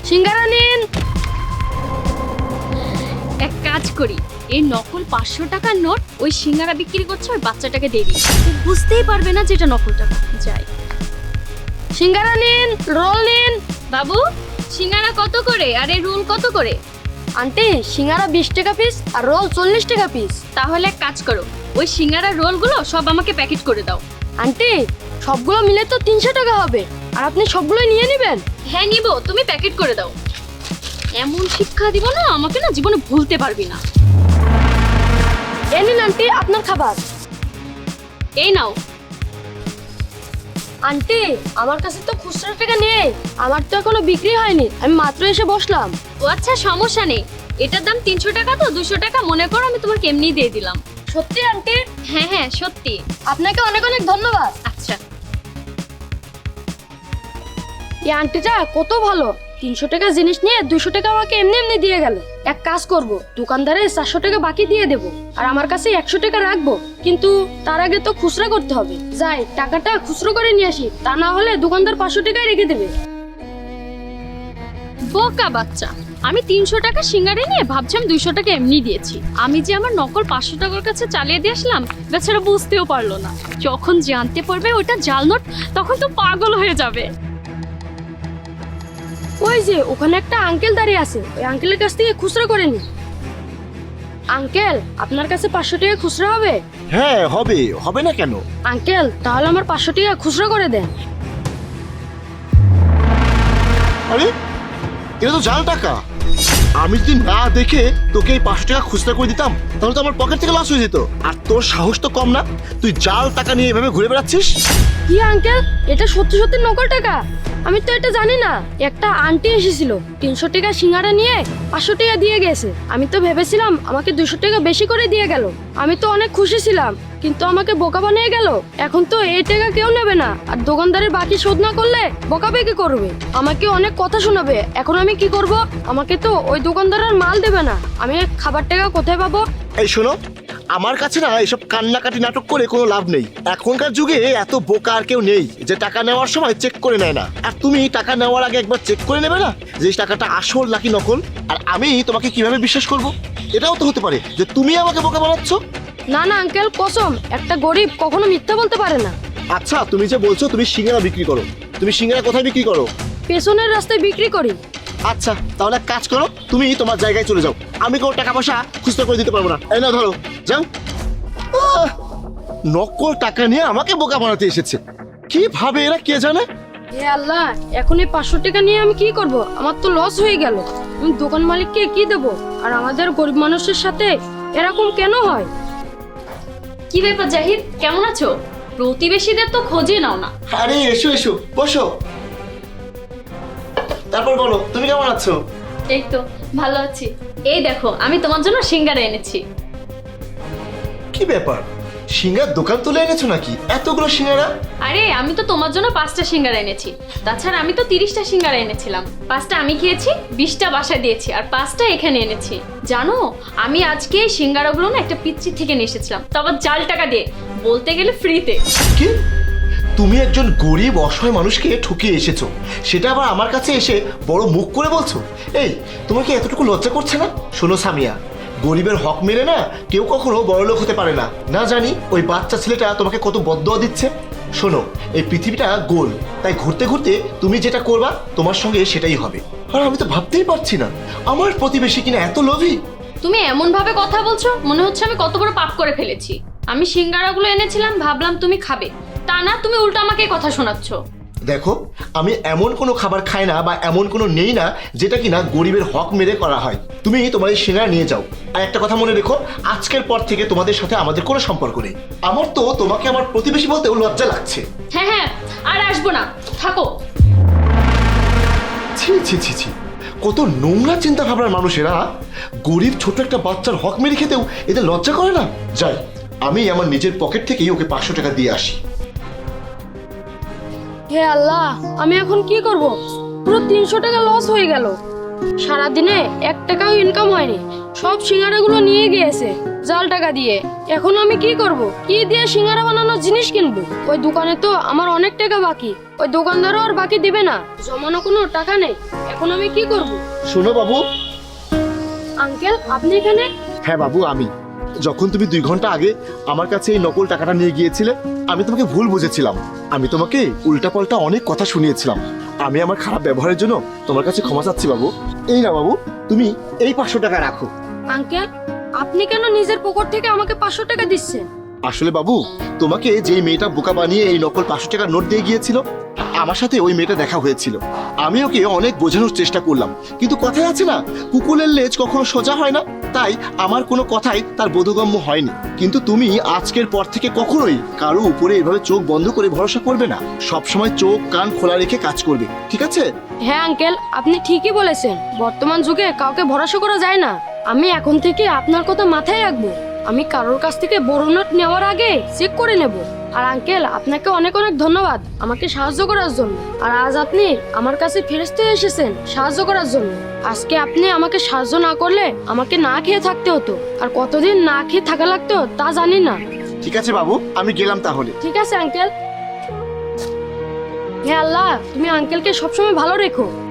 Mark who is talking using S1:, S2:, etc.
S1: সিঙ্গারা নিন।
S2: এক কাজ করি, এই নকল 500 টাকার নোট ওই সিঙ্গারা বিক্রি করছে ওই বাচ্চাটাকে দিয়ে দিই, ও বুঝতেই পারবে না যেটা নকল টাকা। যাই।
S1: সিঙ্গারা নিন, রোল নিন।
S2: বাবু, সিঙ্গারা কত করে আর এই রোল কত করে?
S1: আন্টি, সিঙ্গারা 20 টাকা পিস আর রোল 40 টাকা পিস।
S2: তাহলে এক কাজ করো, ওই সিঙ্গারা রোলগুলো সব আমাকে প্যাকেট করে দাও।
S1: আন্টি, সবগুলো মিলে তো 300 টাকা হবে, আর আপনি সবগুলো নিয়ে নেবেন?
S2: হ্যাঁ নিব, তুমি প্যাকেট করে দাও। এমন শিক্ষা দিব না আমাকে, না জীবনে ভুলতে পারবি না।
S1: এই নিন আন্টি আপনার খাবার।
S2: এই নাও।
S1: আন্টি, আমার কাছে তো খুচরা টাকা নেই, আমার তো এখনো বিক্রি হয়নি, আমি মাত্র এসে বসলাম।
S2: ও আচ্ছা, সমস্যা নেই, এটার দাম 300 টাকা, তো 200 টাকা মনে করো আমি তোমাকে এমনি দিয়ে দিলাম।
S1: সত্যি আন্টি?
S2: হ্যাঁ হ্যাঁ সত্যি।
S1: আপনাকে অনেক অনেক ধন্যবাদ।
S2: আচ্ছা।
S1: এই আন্টিটা কত ভালো, 300 টাকা জিনিস নিয়ে 200 টাকা আমাকে এমনি এমনি দিয়ে গেল। এক কাজ করব, দোকানদারে 400 টাকা বাকি দিয়ে দেব, আর আমার কাছে 100 টাকা রাখবো, কিন্তু তার আগে তো খুচরা করতে হবে। যাই, টাকাটা খুচরো করে নিয়ে আসি, তা না হলে দোকানদার 500 টাকায় রেখে দেবে।
S2: বোকা বাচ্চা, আমি 300 টাকা সিঙ্গারে নিয়ে ভাবছিলাম 200 টাকা এমনি দিয়েছি। আমি যে আমার নকল 500 টাকার কাছে চালিয়ে দিয়ে আসলাম, বেচারা বুঝতেও পারলো না। যখন জানতে পারবে ওটা জাল নোট, তখন তো পাগল হয়ে যাবে।
S1: ওই যে ওখানে একটা আঙ্কেল দাঁড়িয়ে আছে, ওই আঙ্কেলের কাছ থেকে খুচরা করে নি। আঙ্কেল, আপনার কাছে 500 টাকা খুচরা হবে?
S3: হ্যাঁ হবে, হবে না কেন?
S1: আঙ্কেল, তাহলে আমার 500 টাকা খুচরা করে দেন।
S3: আরে এটা তো জাল টাকা। আমি যদি না দেখে তোকে এই 500 টাকা খুচরা করে দিতাম, তাহলে তো আমার পকেট থেকে লস হয়ে যেত। আর তোর সাহস তো কম না, তুই জাল টাকা নিয়ে এভাবে ঘুরে বেড়াচ্ছিস।
S1: কি আঙ্কেল, এটা সত্যি সত্যি নকল টাকা? আমি তো এটা জানি না। একটা আন্টি এসেছিল, 300 টাকা সিঙ্গারা নিয়ে 500 টাকা দিয়ে গেছে। আমি তো ভেবেছিলাম আমাকে 200 টাকা বেশি করে দিয়ে গেল। আমি তো অনেক খুশি ছিলাম, কিন্তু আমাকে বোকা বানিয়ে গেল। এখন তো এই টাকা কেউ নেবে না, আর দোকানদারের বাকি শোধ না করলে বোকাবে কি করবে? আমাকে অনেক কথা শোনাবে। এখন আমি কি করব? আমাকে তো ওই দোকানদার আর মাল দেবে না। আমি খাবার টাকা কোথায় পাবো?
S3: এই শোনো, আমার কাছে না এসব কান্নাকাটি নাটক করে কোনো লাভ নেই। এখনকার যুগে এত বোকা আর কেউ নেই যে টাকা নেওয়ার সময় চেক করে নেয় না। আর তুমি টাকা নেওয়ার আগে একবার চেক করে নেবে না যে এই টাকাটা আসল নাকি নকল? আর আমি তোমাকে কিভাবে বিশ্বাস করব? এটাও তো হতে পারে যে তুমি আমাকে বোকা বানাচ্ছ।
S1: না না আঙ্কেল, কসম, একটা গরিব কখনো মিথ্যা বলতে পারে না।
S3: আচ্ছা, তুমি যে বলছো তুমি সিঙ্গারা বিক্রি করো, তুমি সিঙ্গারা কোথায় বিক্রি করো?
S1: পেছনের রাস্তায় বিক্রি করি।
S3: আচ্ছা, তাহলে এক কাজ করো, তুমি তোমার জায়গায় চলে যাও। আমি কোনো টাকা পয়সা খুচরা করে দিতে পারবো না। এই না, ধরো, যাও। নকল টাকা নিয়ে আমাকে বোকা বানাতে এসেছে। কি ভাবে এরা কে জানে।
S1: হে আল্লাহ, এখন এই 500 টাকা নিয়ে আমি কি করব? আমার তো লস হয়ে গেল। আমি দোকান মালিককে কি দেব? আর আমাদের গরিব মানুষের সাথে এরকম কেন হয়?
S2: কি ব্যাপার জাহিদ, কেমন আছো? প্রতিবেশীদের তো খোঁজে নাও না।
S3: আরে এসো এসো, বসো। তারপর বলো, তুমি কেমন আছো?
S2: এই তো ভালো আছি। এই দেখো, আমি তোমার জন্য সিঙ্গারা এনেছি।
S3: কি ব্যাপার, সিঙ্গার দোকান তুলে এনেছো নাকি এতগুলো সিঙ্গারা?
S2: আরে আমি তো তোমার জন্য 5টা সিঙ্গারা এনেছি। তাছাড়া আমি তো 30টা সিঙ্গারা এনেছিলাম। 5টা আমি খেয়েছি, 20টা বাসায় দিয়েছি, আর 5টা এখানে এনেছি। জানো, আমি আজকে এই সিঙ্গারাগুলো না একটা পিচ্চি থেকে নিয়ে এসেছিলাম, তো আবার জাল টাকা দিয়ে, বলতে গেলে ফ্রিতে।
S3: কি? তুমি একজন গরিব অসহায় মানুষকে ঠকিয়ে এসেছো, সেটা আবার আমার কাছে এসে বড় মুখ করে বলছো? এই, তোমার কি এতটুকু লজ্জা করছে না? শোনো সামিয়া, গরিবের হক মেরে না কেউ কখনো বড়লোক হতে পারে না। না জানি ওই বাচ্চা ছেলেটা তোমাকে কত বদদোয়া দিচ্ছে। শোনো, এই পৃথিবীটা গোল, তাই ঘুরতে ঘুরতে তুমি যেটা করবা তোমার সঙ্গে সেটাই হবে। আর আমি তো ভাবতেই পারছি না আমার প্রতিবেশী কিনা এত লোভী।
S2: তুমি এমন ভাবে কথা বলছো, মনে হচ্ছে আমি কত বড় পাপ করে ফেলেছি। আমি সিঙ্গারাগুলো এনেছিলাম, ভাবলাম তুমি খাবে, তা না তুমি উল্টো আমাকে কথা শোনাচ্ছ।
S3: দেখো, আমি এমন কোনো খাবার খাই না বা এমন কোনো নেই না যেটা কিনা গরিবের হক মেরে করা হয়। তুমি তোমার এই সিঙ্গারা নিয়ে যাও। আর একটা কথা মনে রেখো, আজকের পর থেকে তোমাদের সাথে আমাদের কোনো সম্পর্ক নেই। আমার তো তোমাকে আমার প্রতিবেশী বলতেও লজ্জা লাগছে।
S2: হ্যাঁ হ্যাঁ, আর আসবো না, থাকো।
S3: ছি ছি ছি ছি, কত নোংরা চিন্তা ভাবনার মানুষেরা। গরিব ছোট একটা বাচ্চার হক মেরে খেতেও এদের লজ্জা করে না। যাই, আমি আমার নিজের পকেট থেকেই ওকে 500 টাকা দিয়ে আসি।
S1: হে আল্লাহ, আমি এখন কি করব? পুরো 300 টাকা লস হয়ে গেল। সারাদিনে 1 টাকাও ইনকাম হয়নি, সব সিঙ্গারাগুলো নিয়ে গিয়েছে জাল টাকা দিয়ে। এখন আমি কি করব? কি দিয়ে সিঙ্গারা বানানোর জিনিস কিনবো? ওই দোকানে তো আমার অনেক টাকা বাকি, ওই দোকানদারও আর বাকি দিবে না, জমানো কোনো টাকা নেই। এখন আমি কি করব?
S3: শোনো বাবু।
S1: আঙ্কেল, আপনি এখানে?
S3: হ্যাঁ বাবু, আমি যখন তুমি 2 ঘন্টা আগে আমার কাছে এই নকল টাকাটা নিয়ে গিয়েছিলে, আমি তোমাকে ভুল বুঝেছিলাম। আমি তোমাকে উল্টাপাল্টা অনেক কথা শুনিয়েছিলাম। আমি আমার খারাপ ব্যবহারের জন্য তোমার কাছে ক্ষমা চাচ্ছি বাবু। এই না বাবু, তুমি এই 500 টাকা রাখো।
S1: আঙ্কেল, আপনি কেন নিজের পকেট থেকে আমাকে 500 টাকা দিচ্ছেন?
S3: আসলে বাবু, তোমাকে যেই মেয়েটা বোকা বানিয়ে এই নকল 500 টাকার নোট দিয়ে গিয়েছিল, আমার সাথে ওই মেয়েটা দেখা হয়েছিল। আমি ওকে অনেক বোঝানোর চেষ্টা করলাম, কিন্তু কথাই আছে না, কুকুরের লেজ কখনো সোজা হয় না। তাই আমার কোনো কথাই তার বোধগম্য হয়নি। কিন্তু তুমি আজকের পর থেকে কখনোই কারো উপরে এভাবে চোখ বন্ধ করে ভরসা করবে না, সবসময় চোখ কান খোলা রেখে কাজ করবে, ঠিক আছে?
S1: হ্যাঁ আঙ্কেল, আপনি ঠিকই বলেছেন। বর্তমান যুগে কাউকে ভরসা করা যায় না। আমি এখন থেকে আপনার কথা মাথায় রাখবো। আমি কারোর কাছ থেকে বড় নোট নেওয়ার আগে চেক করে নেব। আর আঙ্কেল, আপনাকে অনেক অনেক ধন্যবাদ আমাকে সাহায্য করার জন্য। আর আজ আপনি আমার কাছে ফেরস্তে এসেছেন সাহায্য করার জন্য। আজকে আপনি আমাকে সাহায্য না করলে আমাকে না খেয়ে থাকতে হতো, আর কতদিন না খেয়ে থাকা লাগতো তা জানি না।
S3: ঠিক আছে বাবু, আমি গেলাম তাহলে।
S1: ঠিক আছে আঙ্কেল। হে আল্লাহ, তুমি আঙ্কেলকে সবসময় ভালো রেখো।